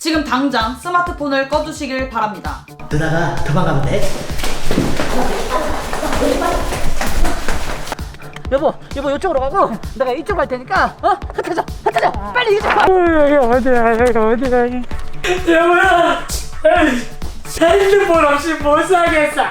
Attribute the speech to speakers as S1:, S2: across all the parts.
S1: 지금 당장 스마트폰을 꺼두시길 바랍니다.
S2: 누나가 도망가면 돼. 여보 이쪽으로 가고 내가 이쪽 갈 테니까 흩어져 빨리 이쪽 가.
S3: 어디가 여보야, 핸드폰 없이 못 살겠어.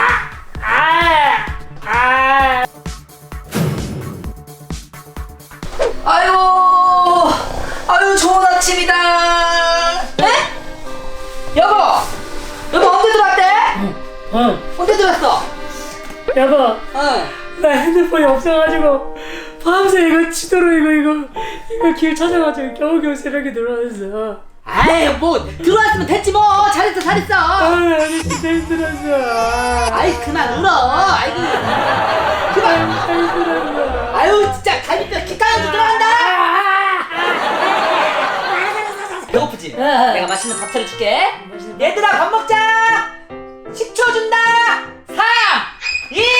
S2: 아유 좋은 아침이다. 네? 여보 언제 들어왔대? 언제 들어왔어?
S3: 여보, 나 핸드폰이 없어가지고 밤새 이거 치도록 이거 길 찾아가지고 겨우겨우 새벽에 들어왔어.
S2: 아이 뭐 들어왔으면 됐지 뭐. 잘했어
S3: 아니 진짜 힘들었어.
S2: 아이 그만 울어. 아이고 그만.
S3: 힘들었어.
S2: 아유 진짜 갈비뼈 기타한테 들어간다. 배고프지? 내가 맛있는 밥 차려줄게. 얘들아 밥 먹자. 10초 준다. 3 2 1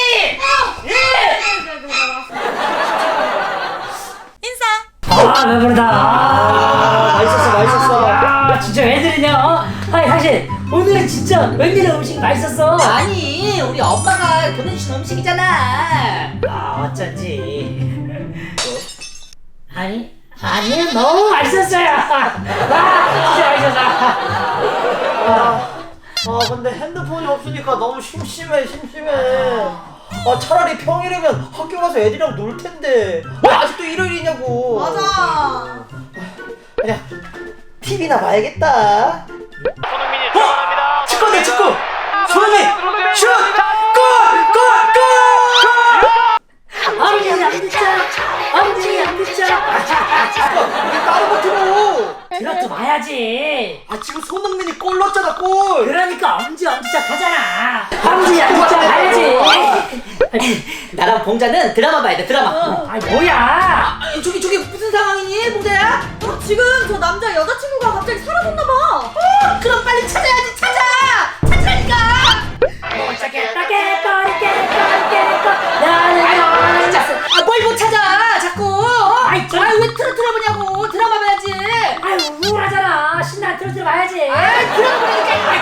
S3: 배부르다.
S2: 맛있었어.
S3: 진짜 왜들이냐? 아니 사실 오늘은 진짜 웬일로 음식이 맛있었어.
S2: 아니 우리 엄마가 보내주신 음식이잖아.
S3: 어쩐지. 아니 너무 맛있었어요. 진짜 맛있었어.
S4: 근데 핸드폰이 없으니까 너무 심심해. 차라리 평일이면 학교 가서 애들이랑 놀 텐데 왜 아직도 일요일이냐고.
S1: 맞아.
S4: 그냥 TV나 봐야겠다.
S5: 손흥민이 들어갑니다.
S4: 축구네 축구. 손흥민 슛! 골!
S3: 엉덩이 안 듣자.
S4: 왜 따로 버티고?
S3: 들어도 봐야지.
S4: 지금 손흥민이 골 넣었잖아 골.
S3: 그러니까 엄지척 하잖아. 엄지 안 듣자 봐야지.
S2: 나랑 봉자는 드라마 봐야 돼. 드라마.
S3: 뭐야?
S2: 저기 무슨 상황이니 봉자야?
S1: 지금 저 남자 여자친구가 갑자기 사라졌나봐.
S2: 그럼 빨리 찾아야지. 찾으라니까.
S3: 나는
S2: 진짜 뭘 못 찾아 자꾸. 왜 틀어 보냐고. 드라마 봐야지.
S3: 우울하잖아. 신나 들어 봐야지.
S2: 드라마 보니까.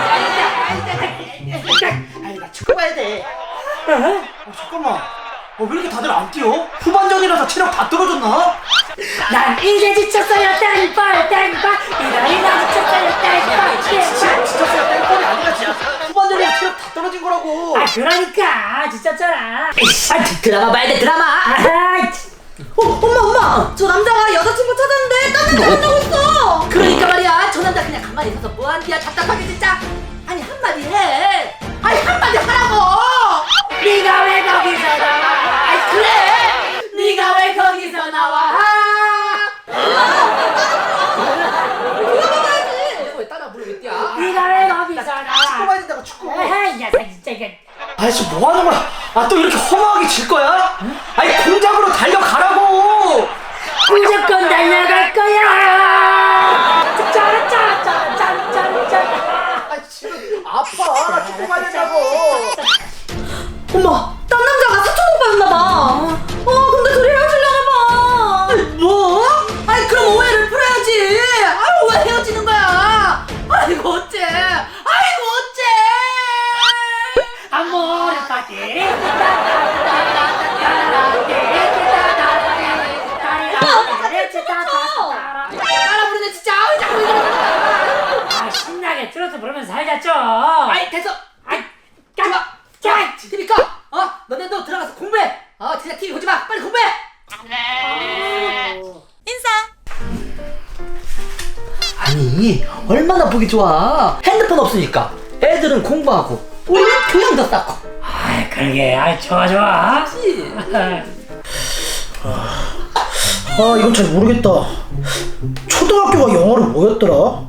S2: 나 축구 봐야 돼.
S4: 잠깐만. 왜 이렇게 다들 안 뛰어? 후반전이라서 체력 다 떨어졌나?
S3: 난 이제 지쳤어요. 땡벌. 이나 지쳤어요. 땡벌.
S4: 지쳤어요. 땡골이 아니라 진짜 후반전에 체력 다 떨어진 거라고.
S3: 그러니까 지쳤잖아.
S2: 드라마 봐야 돼. 드라마.
S1: 엄마, 저 남자가 여자친구 찾았는데 딴 남자 만나고 있어.
S2: 그러니까 말이야. 저 남자 그냥 가만히 있어서 뭐하는데야. 답답하게 진짜. 아니 한마디 해. 한마디 하라고.
S3: 네가 왜 거기서 나와?
S2: 그래. 네가 왜 거기서 나와? 왜 따라 부르고 있냐?
S3: 네가 왜 거기서 나와?
S4: 축구 봐야 된다고 축구.
S3: 이 녀석 진짜 이게.
S4: 지금 뭐 하는 거야? 또 이렇게 허무하게 질 거야? 공작으로 달려가라고!
S3: 무조건 달려갈 거야.
S4: 지금 아파. 축구 봐야 된다고.
S1: 엄마, 딴 남자가 사촌 오빠였나봐. 근데 둘이 헤어지려나봐.
S2: 뭐? 그럼 오해를 풀어야지. 왜 헤어지는 거야? 아이고 어째?
S3: 아모르 파티.
S2: 따라 부르네 진짜. 자꾸 이러는.
S3: 신나게 트로트 부르면서 살자죠.
S2: 됐어.
S3: 까.
S2: TV 꺼. 너네도 들어가서 공부해. 진짜 TV 보지 마. 빨리 공부해. 아니 얼마나 보기 좋아. 핸드폰 없으니까 애들은 공부하고 우리는 교양도 쌓고.
S3: 그러게. 좋아.
S4: 이건 잘 모르겠다. 초등학교가 영어로 뭐였더라?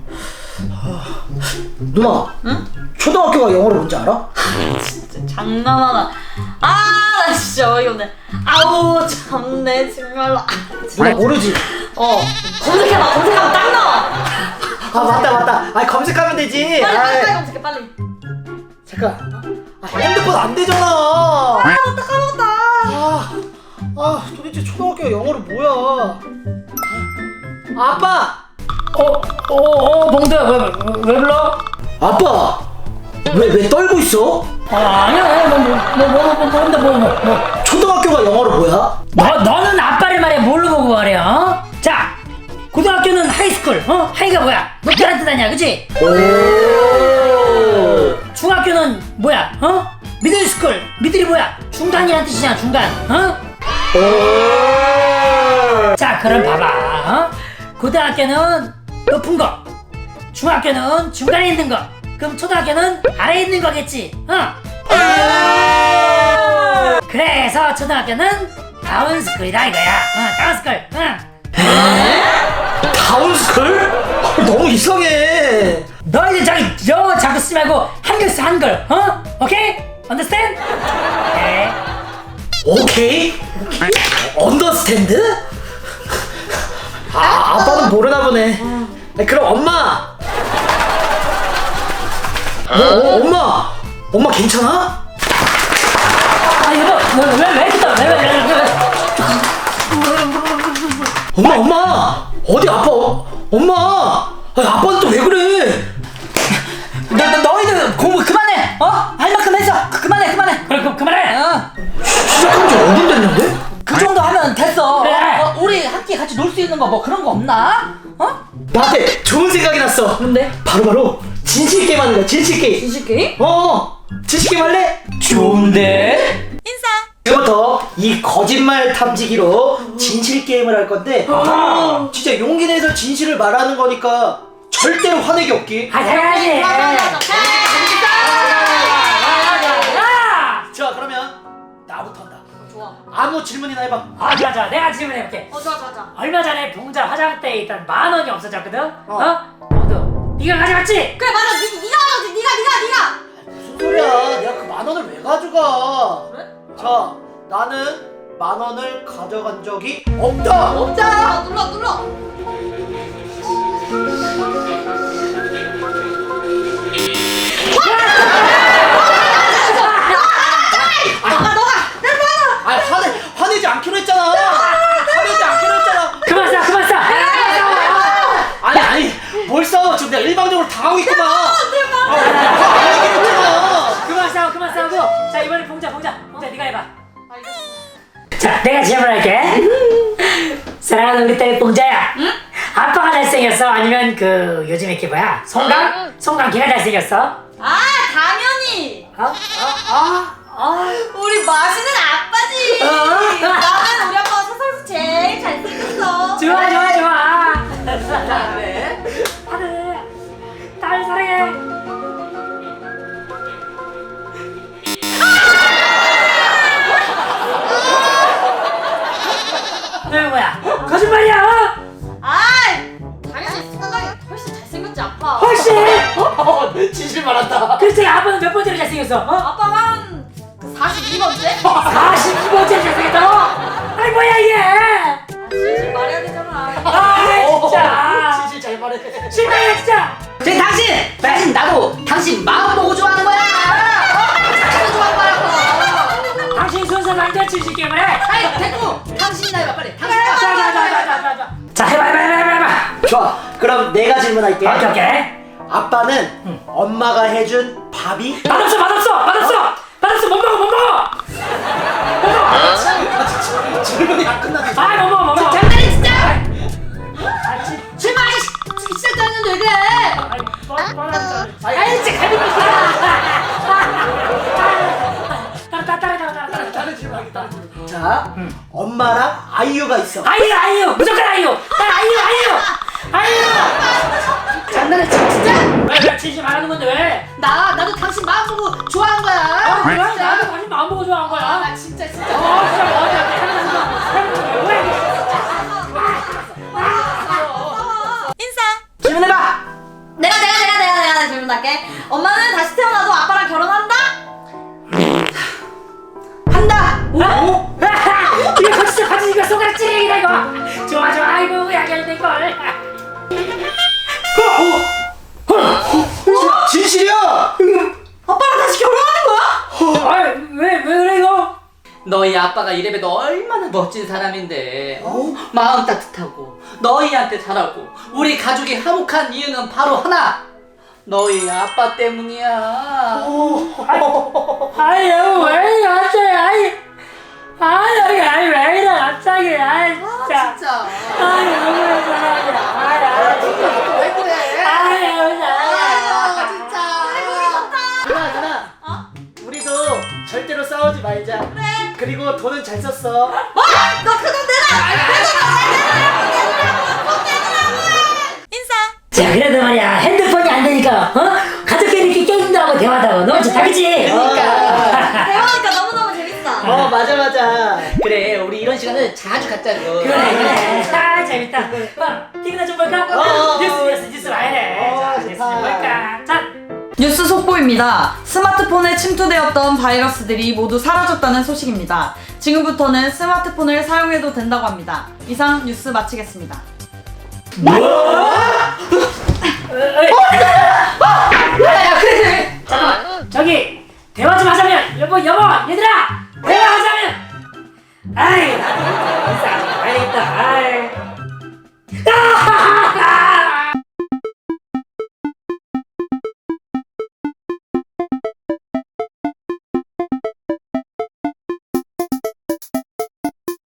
S4: 누나. 응? 초등학교가 영어로 뭔지 알아?
S1: 장난하나. 나 진짜 어이없네. 아우 참네 정말로.
S4: 누나 모르지?
S1: 검색하면 딱 나와.
S4: 맞다. 검색하면 되지.
S1: 빨리 검색해 빨리.
S4: 잠깐. 핸드폰 안 되잖아.
S1: 까먹었다.
S4: 도대체 초등학교가 영어로 뭐야? 아빠!
S3: 봉두야 왜 불러?
S4: 아빠 왜 떨고 있어?
S3: 아니야 뭔데 뭐
S4: 초등학교가 영어로 뭐야?
S3: 너는 아빠를 말해 뭘로 보고 말해 어? 자 고등학교는 하이스쿨 하이가 뭐야 높게란 뜻 아니야 그치?
S4: 오
S3: 중학교는 뭐야 미들스쿨 미들이 뭐야 중간이란 뜻이잖아 중간 자 그럼 봐봐 고등학교는 높은 거 중학교는 중간에 있는 거 그럼 초등학교는 아래에 있는 거겠지 그래서 초등학교는 다운스쿨이다 이거야 다운스쿨
S4: 다운스쿨? 너무 이상해.
S3: 너희들 자꾸 쓰지 말고 한글 써 한글 오케이? understand?
S4: 오케이? 언더스탠드? 아빠는 모르나 보네. 그럼 엄마. 엄마 괜찮아?
S3: 여보 왜 이렇게 떠? 왜
S4: 엄마 어디 아빠 엄마 아빠는 또 왜 그래?
S2: 너희들 공부 그만해. 할 만큼 했어. 그만해.
S3: 그럼 그만해
S4: 시작한 지 5분 됐는데?
S2: 그 정도 하면 됐어.
S3: 그래.
S2: 우리 함께 같이 놀 수 있는 거 뭐 그런 거 없나?
S4: 나한테 좋은 생각이 났어.
S2: 뭔데?
S4: 바로 진실 게임 하는 거야. 진실 게임.
S2: 진실 게임?
S4: 진실 게임 할래?
S2: 좋은데?
S4: 지금부터 이 거짓말 탐지기로 진실 게임을 할 건데 진짜 용기 내서 진실을 말하는 거니까 절대로 화내기 없기.
S3: 당연하지
S4: 자 그러면 나부터 한다.
S1: 좋아.
S4: 아무 질문이나 해봐.
S3: 좋아 내가 질문해볼게
S1: 좋아.
S3: 얼마 전에 봉자 화장대에 있던 10,000원이 없어졌거든 봉두 네가 가져갔지?
S1: 그래 맞아. 네가 하지. 네가.
S4: 무슨 소리야? 내가 그 10,000원을 왜 가져가?
S1: 그래?
S4: 자 나는 10,000원을 가져간 적이 없다.
S1: 없자. 눌러.
S4: 화내지 않기로 했잖아. 화내지 않기로 했잖아.
S3: 그만 싸
S4: 아니 뭘 싸워? 지금 내가 일방적으로 당하고 있구만. 화내기로 했잖아.
S3: 그만 싸우고 자 이번에 봉자 네가 해봐 자 내가 질문할게 사랑하는 우리 딸 봉자야 응? 아빠가 잘생겼어? 아니면 그 요즘 이렇게 뭐야 송강 걔가 잘생겼어?
S1: 아 당연히. 우리 맛있는 아빠지. 나는 우리 아빠가 세상에서 제일 잘생겼어.
S3: 좋아
S2: 그래?
S3: 딸 사랑해 왜 뭐야 거짓말이야
S1: 당연히 생각이 훨씬 잘생겼지 아빠.
S3: 훨씬
S4: 진실 말한다.
S3: 글쎄 아빠는 몇 번째로 잘생겼어?
S1: 아빠 한 42번째?
S3: 42번째로 잘생겼다고? 아이 뭐야 이게
S1: 진실 말해야 되잖아.
S3: 진짜
S4: 진실 잘 말해.
S3: 실망이야 진짜
S2: 당신 나도 당신 마음 보고 좋아하는 거야.
S1: 자기도 좋아할 거라고.
S3: 당신 순서 남자 칠실 게임을 해
S2: 아이 됐고 당신이나 해봐 빨리. 당신 해봐.
S3: 자 해봐
S4: 좋아. 그럼 내가 질문할게.
S3: 오케이
S4: 아빠는 엄마가 해준 밥이
S3: 맛없어 못 먹어
S4: 질문이 안 끝났어.
S3: 못 먹어
S1: 장난이 진짜.
S3: 아,
S1: 출발 시작도 했는데 왜 그래?
S3: 아이 진짜 갈비뼈
S4: 다른 질문하겠다. 자, 엄마랑 아이유가 있어.
S3: 아이유 무조건 아이유
S1: 장난을 쳐 진짜?
S3: 왜 치지 말하는 건데 왜?
S1: 나도 당신 마음 보고 좋아한 거야.
S3: 그래 나도 당신 마음 보고 좋아한 거야
S1: 나 진짜.
S3: 진짜
S1: 인사.
S2: 질문해봐.
S1: 내가 질문할게. 엄마는 다시 태어나도 아빠랑 결혼한다?
S2: 한다.
S3: 이거 거짓말 이거 손가락 찌르기다 이거 좋아 아이고 약열된 걸
S4: 진실이야.
S1: 아빠랑 다시 결혼하는 거야?
S3: 왜 그래 이거
S2: 너희 아빠가 이래봬도 얼마나 멋진 사람인데 마음 따뜻하고 너희한테 잘하고 우리 가족이 화목한 이유는 바로 하나, 너희 아빠 때문이야.
S3: 아이 여보 왜 이래 갑자기 아이 왜 이래 갑자기 아이 진짜
S2: 진짜.
S3: 아이 너무 사랑해
S2: 왜 그래?
S3: 아이 너무 사랑해
S2: 진짜.
S4: 누나 우리도 절대로 싸우지 말자. 그래. 그리고 돈은 잘 썼어.
S1: 너 그 돈 인사.
S3: 자 그래도 말이야 핸드폰이 안 되니까 가족끼리 이렇게 게임도 하고 대화도 하고 너무 좋다 그치?
S1: 대화하니까 너무너무 재밌어.
S4: 맞아.
S2: 그래, 우리 이런 시간을 자주 갖자고.
S3: 그래 아 재밌다 TV나 좀 볼까? 뉴스 와야 돼 자, 뉴스 좀 볼까? 자
S6: 뉴스 속보입니다. 스마트폰에 침투되었던 바이러스들이 모두 사라졌다는 소식입니다. 지금부터는 스마트폰을 사용해도 된다고 합니다. 이상 뉴스 마치겠습니다.
S3: 잠깐만 저기 대화 좀 하자면 여보 얘들아 대화하자면 아이